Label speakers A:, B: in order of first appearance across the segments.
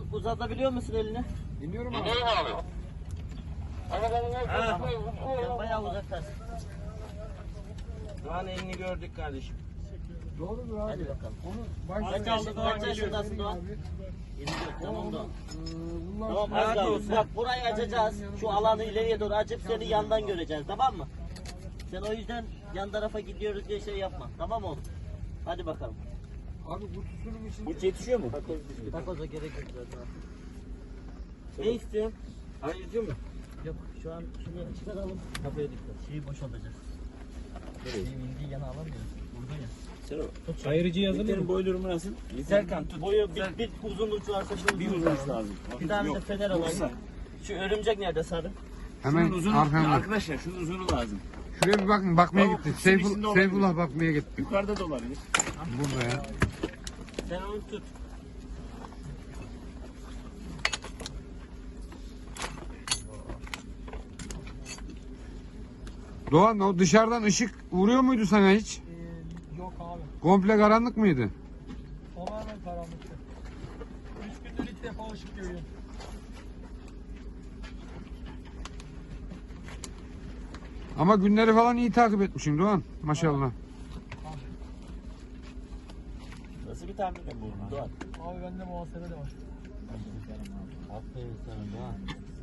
A: uzatabiliyor musun elini?
B: Dinliyorum abi.
A: Sen bayağı uzaktasın.
C: Doğan elini gördük kardeşim.
B: Doğrudur abi.
A: Hadi bakalım.
B: Onu
A: Kaç yaşındasın Doğan? 24, tamam Doğan.
B: bunlar
A: Tamam az kaldı. Bak burayı açacağız. Şu alanı ileriye doğru açıp seni yandan göreceğiz, tamam mı? Sen o yüzden yan tarafa gidiyoruz diye şey yapma. Tamam oğlum? Hadi bakalım.
B: abi bu tutunum için
C: Bu yetişiyor mu?
A: Takoza gerek yok zaten. Ne istiyorsun?
C: Ayrıca mı?
A: Yok şu an şunu çıkaralım. Kapıya dikkat. Şeyi boşaltacağız. Şeyi indiği yana alamıyoruz. Burada ya.
C: Ayırıcı yazılır mı? Boy durumu nasıl? Serkan tut.
A: Boyu bir uzunluk varsa şu
C: Bir
A: uzunluk
C: uzunluk lazım.
A: Bir tane de fener alalım. Şu örümcek nerede sarı?
B: hemen
C: Şunun uzunu,
B: arkamda.
C: arkadaşlar şunun uzunu lazım.
B: Şuraya bir bakın, bakmaya
C: Tamam,
B: gitti.
C: kutusun içinde olabilir.
B: Seyfullah bakmaya gitti.
C: Yukarıda da olabilir.
B: Burada ya.
A: Sen onu tut.
B: Doğan, o dışarıdan ışık vuruyor muydu sana hiç?
D: Yok abi.
B: Komple karanlık mıydı?
D: Tamamen karanlıktı. 3 gündür ilk defa ışık görüyorum.
B: Ama günleri falan iyi takip etmişim Doğan. Maşallah.
A: Nasıl bir tahmin bu? Doğan.
D: Abi bende muhasebe de var.
A: Aferin sana Doğan.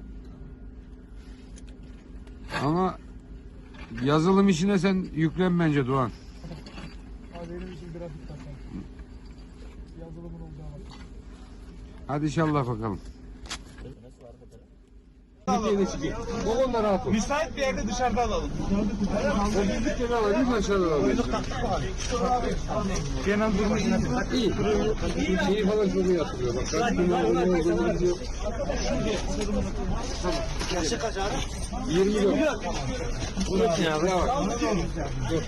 B: Ama yazılım işine sen yüklen bence Doğan.
D: Abi benim için grafik tasarım. Yazılımın olacağı var.
B: Hadi inşallah bakalım. Babamla rahat ol.
C: Müsait bir yerde dışarıda alalım.
B: O bizlik yeri alalım, aşağıda alalım.
C: Kenan durumu iyi.
B: İyi. Şeyi falan çok iyi hatırlıyor. Bak kaç gün ne olduğunu biliyor.
A: Yaşı kaç abi?
B: 24. Burası ya. Bravo. Dur.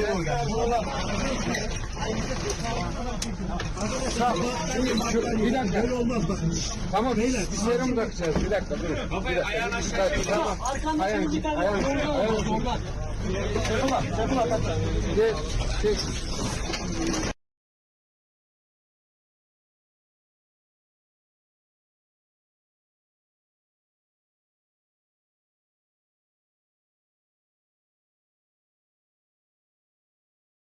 B: Bir dakika. Tamam beyler. Bir yere mi takacağız? Bir dakika durun.
C: Kafayı ayağına aşağı çek.
A: Arkanda
B: Ayağını
A: bir tane
B: ayağını
A: ayağını
B: ayağını
A: zorlar. Çakıl at, çakıl at.
B: Bir de şey